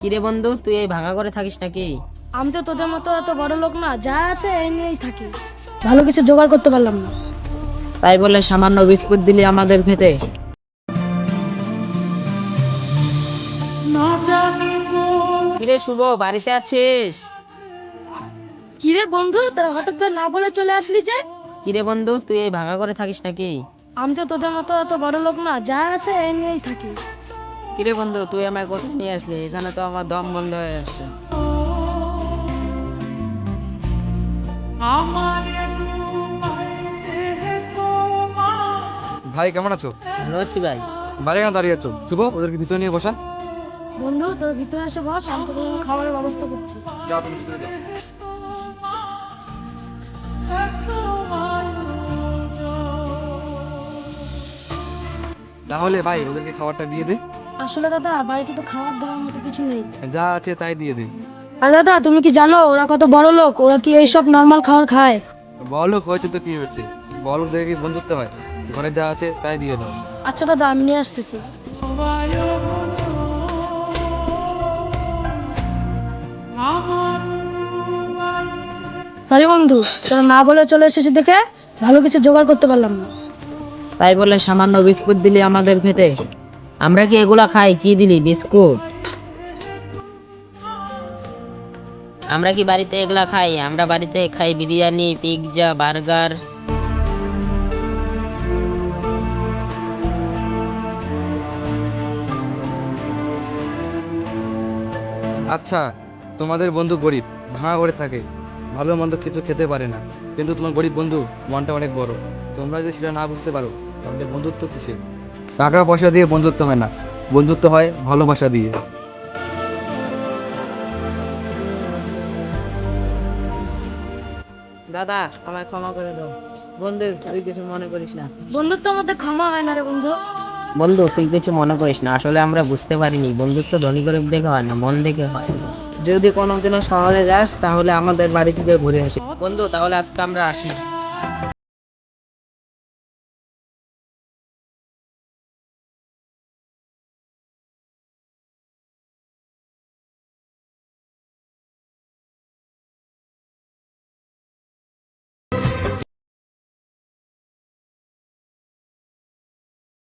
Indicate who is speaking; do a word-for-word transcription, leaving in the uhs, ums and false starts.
Speaker 1: কিরে বন্ধু, তুই এই ভাঙা করে থাকিস নাকি?
Speaker 2: আমি তো তোদের মতো এত বড় লোক না, যা আছে এই নিয়েই থাকি। ভালো কিছু জোগাড় করতে পারলাম না।
Speaker 1: তাই বলে সামান্য বিস্কুট দিলি আমাদের খেতে? কিরে শুভ, বাড়িতে আছিস?
Speaker 2: কিরে বন্ধু, তোরা হঠাৎ করে না বলে চলে আসলি যে?
Speaker 1: কিরে বন্ধু, তুই এই ভাঙা করে থাকিস নাকি?
Speaker 2: আমি তো তোদের মতো এত বড় লোক না, যা আছে এই নিয়েই থাকি।
Speaker 1: কিরে বন্ধু, তুই আমায় কোথায় নিয়ে আসলি? এখানে তো আমার দম বন্ধ হয়ে আসছে।
Speaker 3: ভাই কেমন আছো?
Speaker 1: ভালো আছি ভাই।
Speaker 3: বাইরে কেন দাঁড়িয়ে আছো? শুভ, ওদেরকে ভিতরে নিয়ে বসা।
Speaker 2: বন্ধু তোর ভিতরে এসে বস, আমি তোদের জন্য খাবারের ব্যবস্থা করছি।
Speaker 3: যাও তুমি ভিতরে যাও। তাহলে ভাই ওদেরকে খাবারটা দিয়ে দে।
Speaker 2: আসলে দাদা, বাড়িতে তো খাবার দেওয়ার মতো কিছু নেই।
Speaker 3: যা আছে তাই দিয়ে দে।
Speaker 2: আর দাদা, তুমি কি জানো ওরা কত বড় লোক? ওরা কি এইসব নর্মাল খাবার খায়?
Speaker 3: বড়লোক হয়েছে তো কি হয়েছে, বড়লোকদের কি বন্ধুত্ব হয়? ঘরে যা আছে তাই দিয়ে দাও।
Speaker 2: আচ্ছা দাদা, আমি নিয়ে আসতেছি। আরে বন্ধু, তোরা না বলে চলে এসেছিস দেখে ভালো কিছু জোগাড় করতে পারলাম না।
Speaker 1: তাই বলে সামান্য বিস্কুট দিলি আমাদের খেতে? আমরা কি এগুলা খাই? কি দিলি বিস্কুট? আমরা কি বাড়িতে এগুলা খাই? আমরা বাড়িতে খাই বিরিয়ানি, পিৎজা, বার্গার।
Speaker 3: আচ্ছা, তোমাদের বন্ধু গরিব, ভাঙা করে থাকে, ভালো মন্দ কিছু খেতে পারে না, কিন্তু তোমার গরিব বন্ধু মনটা অনেক বড়। তোমরা যদি সেটা না বুঝতে পারো তাহলে বন্ধুত্ব কিসের? টাকা পয়সা দিয়ে বন্ধুত্ব হয় না, বন্ধুত্ব হয় ভালোবাসা দিয়ে।
Speaker 1: দাদা, আমায় ক্ষমা করে দাও। বন্ধু, তুই কিছু মনে করিস না।
Speaker 2: বন্ধুত্বের মধ্যে ক্ষমা হয় না রে বন্ধু।
Speaker 1: বন্ধু, তুই কিছু মনে করিস না, আসলে আমরা বুঝতে পারিনি বন্ধুত্ব ধনী গরিব দেখে হয় না, মন দেখে হয়। যদি কোনোদিনও শহরে যাস তাহলে আমাদের বাড়ি থেকে ঘুরে আসি। বন্ধু, তাহলে আজকে আমরা আসি।